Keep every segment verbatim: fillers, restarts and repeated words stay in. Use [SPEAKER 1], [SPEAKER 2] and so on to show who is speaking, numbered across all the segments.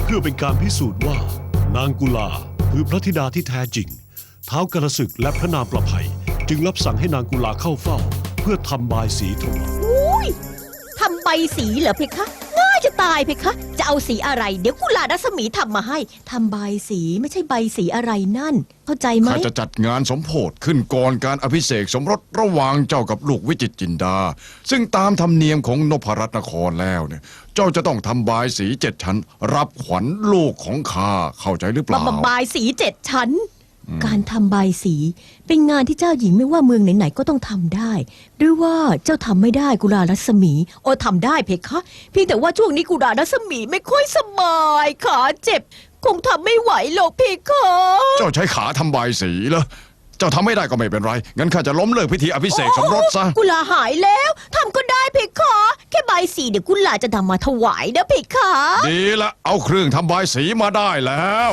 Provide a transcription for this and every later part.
[SPEAKER 1] เพื่อเป็นการพิสูจน์ว่านางกุลาคือพระธิดาที่แท้จริงท้าวกระสึกและพระนางประไพจึงรับสั่งให้นางกุลาเข้าเฝ้าเพื่อทำบายสีถวาย
[SPEAKER 2] อุ้ยทำใบสีเหรอเพคะง่ายจะตายเพคะจะเอาสีอะไรเดี๋ยวกุลารัศมีทำมาให้ทำใบสีไม่ใช่ใบสีอะไรนั่นเข้าใจไหม
[SPEAKER 3] ข้าจะจัดงานสมโภชขึ้นก่อนการอภิเษกสมรสระหว่างเจ้ากับลูกวิจิตรจินดาซึ่งตามธรรมเนียมของนพรัตนครแล้วเนี่ยเจ้าจะต้องทำบายสีเจ็ดชั้นรับขวัญลูกของข้าเข้าใจหรือเปล่า
[SPEAKER 2] บายสีเจ็ดชั้นการทำบายสีเป็นงานที่เจ้าหญิงไม่ว่าเมืองไหนๆก็ต้องทำได้หรือว่าเจ้าทำไม่ได้กุลารัศมีโอ้ทำได้เพคะเพียงแต่ว่าช่วงนี้กุลารัศมีไม่ค่อยสบายขาเจ็บคงทำไม่ไหวหรอกเพคะ
[SPEAKER 3] เจ้าใช้ขาทำบายสีเหรอเจ้าทำไม่ได้ก็ไม่เป็นไรงั้นข้าจะล้มเลิกพิธีอภิเษกสมรสซะ
[SPEAKER 2] กุลาหายแล้วทำก็ได้เพคะแค่บายสีเดี๋ยวกุลาจะนำมาถวายนะเพคะ
[SPEAKER 3] ดีละเอาเครื่องทำบายสีมาได้แล้ว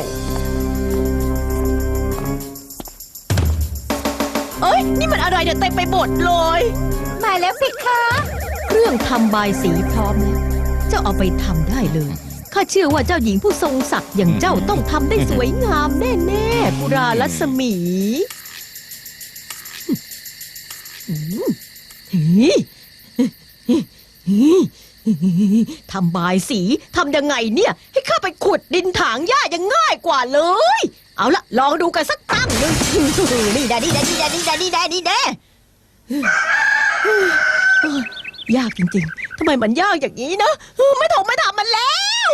[SPEAKER 2] เอ้ยนี่มันอะไรเนี่ยเต็มไปหมดเลยมาแล้วเพคะเครื่องทำบายสีพร้อมแล้วเจ้าเอาไปทำได้เลยข้าเชื่อว่าเจ้าหญิงผู้ทรงศักดิ์อย่างเจ้าต้องทำได้สวยงามแน่ๆกุลารัศมีทำบายสีทำยังไงเนี่ยให้ข้าไปขุดดินถางหญ้ายังง่ายกว่าเลยเอาละลองดูกันสักตั้งหนึ่งนี่แดนี่แดนี่แดนี่แดนี่แดนี่แดยากจริงๆทำไมมันยากอย่างนี้นะไม่ถงไม่ทำมันแล้ว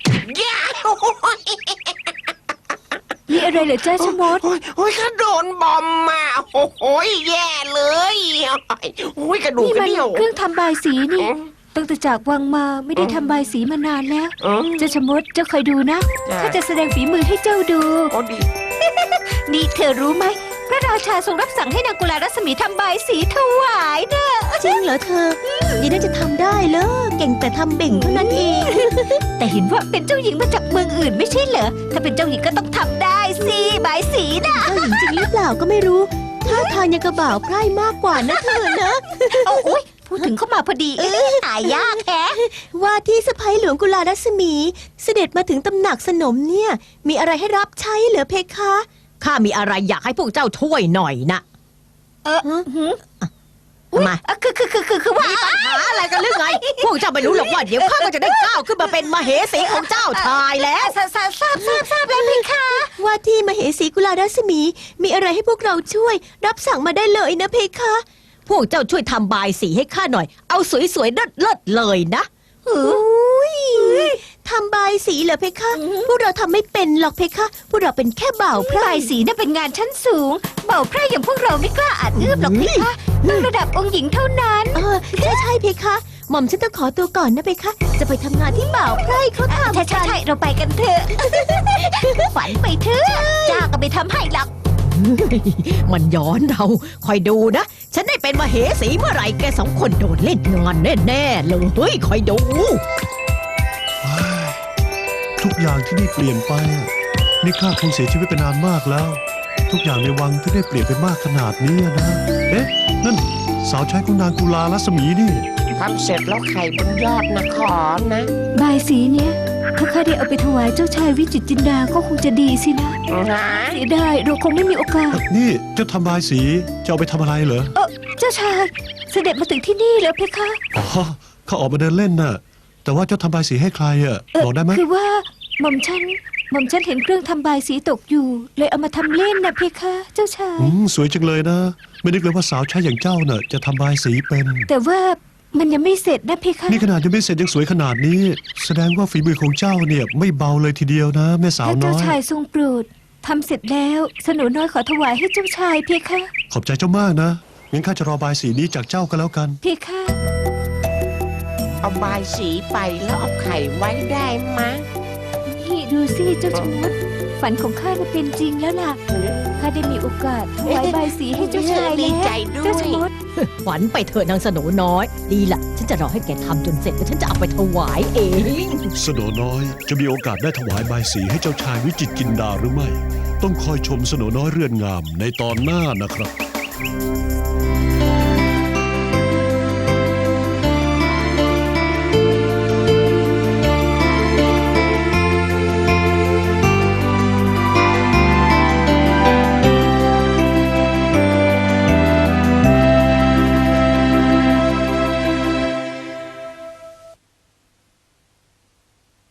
[SPEAKER 4] มีอะไรเหรอจ้าชะมด
[SPEAKER 5] โอ้ยข้าโดนบอมมาโอ้โหแย่เลยโอ้ยกระดูกกระเดี่ยว
[SPEAKER 4] เครื่องทำบายสีนี่ตั้งแต่จากวังมาไม่ได้ทำบายสีมานานแล้วเจ้าชะมดเจ้าคอยดูนะข้าจะแสดงฝีมือให้เจ้าดูนี่เธอรู้ไหมพระราชาทรงรับสั่งให้นางกุลารัศมีทำบายสีถวายเด้อ
[SPEAKER 2] จริงเหรอเธอยังน่าจะทำได้เลยเก่งแต่ทำเบ่งเท่านั้นเอง
[SPEAKER 4] แต่เห็นว่าเป็นเจ้าหญิงมาจากเมืองอื่นไม่ใช่เหรอถ้าเป็นเจ้าหญิงก็ต้องทำได้สิบายสีนะ
[SPEAKER 2] เจ้าหญิงจริงหรือเปล่าก็ไม่รู้ท่าทางยังกระบ่าวไพร่มากกว่านะเธอนะ
[SPEAKER 4] โอ้ยพูดถึงเข้ามาพอดีหายากแท้
[SPEAKER 2] ว่าที่สะใภ้หลวงกุลารัศมีเสด็จมาถึงตำหนักสนมเนี่ยมีอะไรให้รับใช้เหรอเพคะข้ามีอะไรอยากให้พวกเจ้าช่วยหน่อยนะ
[SPEAKER 4] เออ
[SPEAKER 2] มา
[SPEAKER 4] คือคือคือคือคือว่า
[SPEAKER 2] มีปัญหาอะไรกันหรือไงพวกเจ้าไม่รู้หรอกว่าเดี๋ยวข้าก็จะได้ก้าวขึ้นมาเป็นมเหสีของเจ้าชายแล้ว
[SPEAKER 4] ทราบทราบทราบทราบแล้วเพคะ
[SPEAKER 2] ว่าที่มเหสีกุลารัศมีมีอะไรให้พวกเราช่วยรับสั่งมาได้เลยนะเพคะพวกเจ้าช่วยทำบายสีให้ข้าหน่อยเอาสวยๆเลิศๆเลยนะอุ้ยทำบายสีเหรอเพคะพวกเราทำไม่เป็นหรอกเพคะพวกเราเป็นแค่บ่าวไพร่
[SPEAKER 4] บายสีน่ะเป็นงานชั้นสูงบ่าวไพร่อย่างพวกเราไม่กล้าอาจเอื้อมหรอกเพคะต้องระดับองค์หญิงเท่านั้น
[SPEAKER 2] เออใช่ใช่เพคะหม่อมฉันต้องขอตัวก่อนนะเพคะจะไปทำงานที่บ่าวไพร่เขาทำ
[SPEAKER 4] ใช่ใช่ใช่เราไปกันเถอะฝันไปเถอะจ้าก็ไปทำให้หรอก
[SPEAKER 2] มันย้อนเราคอยดูนะฉันได้เป็นมเหสีเมื่อไหร่แกสองคนโดนเล่นงานแน่ๆเลยเฮ้ยคอยดู
[SPEAKER 1] ทุกอย่างที่นี่เปลี่ยนไปนี่ข้าคงเสียชีวิตไปนานมากแล้วทุกอย่างในวังที่ได้เปลี่ยนไปมากขนาดนี้นะเอ๊ะนั่นสาวใช้ของนางกุลารัศมีนี่
[SPEAKER 5] ทำเสร็จแล้วไข่บนยอดนะขอนะ
[SPEAKER 4] บายสีเนี้ยถ้าข้าได้เอาไปถวายเจ้าชายวิจิตรจินดาก็คงจะดีสินะเสียดายเราคงไม่มีโอกาส
[SPEAKER 1] นี่เจ้าทำบายสีจะเอาไปทำอะไรเหรอ
[SPEAKER 4] เออเจ้าชายเสด็จมาถึงที่นี่แล้วเพคะ
[SPEAKER 1] อ๋อเขาออกมาเดินเล่นน่ะแต่ว่าเจ้าทำบายสีให้ใครอ่ะบอกได้ไหม
[SPEAKER 4] คือว่าหม่อมฉันหม่อมฉันเห็นเครื่องทำบายสีตกอยู่เลยเอามาทำเล่นนะเพคะเจ้าชาย
[SPEAKER 1] อืมสวยจังเลยนะไม่นึกเลยว่าสาวใช้อย่างเจ้าน่ะจะทำบายสีเป็น
[SPEAKER 4] แต่ว่ามันยังไม่เสร็จนะเพคะ
[SPEAKER 1] นี่ขนาดยังไม่เสร็จยังสวยขนาดนี้แสดงว่าฝีมือของเจ้าเนี่ยไม่เบาเลยทีเดียวนะแม่สาวน้อย
[SPEAKER 4] ถ้าเจ้าชายทรงโปรดทำเสร็จแล้วสนุน้อยขอถวายให้เจ้าชายเพคะ
[SPEAKER 1] ขอบใจเจ้ามากนะงั้นข้าจะรอบายสีนี้จากเจ้าก็แล้วกัน
[SPEAKER 4] เพคะ
[SPEAKER 5] เอาบายสีไปแล้วเอาไข่ไว้ได้ไหม
[SPEAKER 4] นี่ดูสิเจ้าชมดฝันของข้าจะเป็นจริงแล้วล่ะข้าได้มีโอกาสถวายบายสีให้เจ้าชายแล้วเจ้าชมด
[SPEAKER 2] ฝันไปเถอะนางสโนน้อยดีล่ะฉันจะรอให้แกทำจนเสร็จแล้วฉันจะเอาไปถวายเอง
[SPEAKER 1] สโนน้อยจะมีโอกาสได้ถวายบายสีให้เจ้าชายวิจิตรจินดาหรือไม่ต้องคอยชมสโนน้อยเรือนงามในตอนหน้านะครับ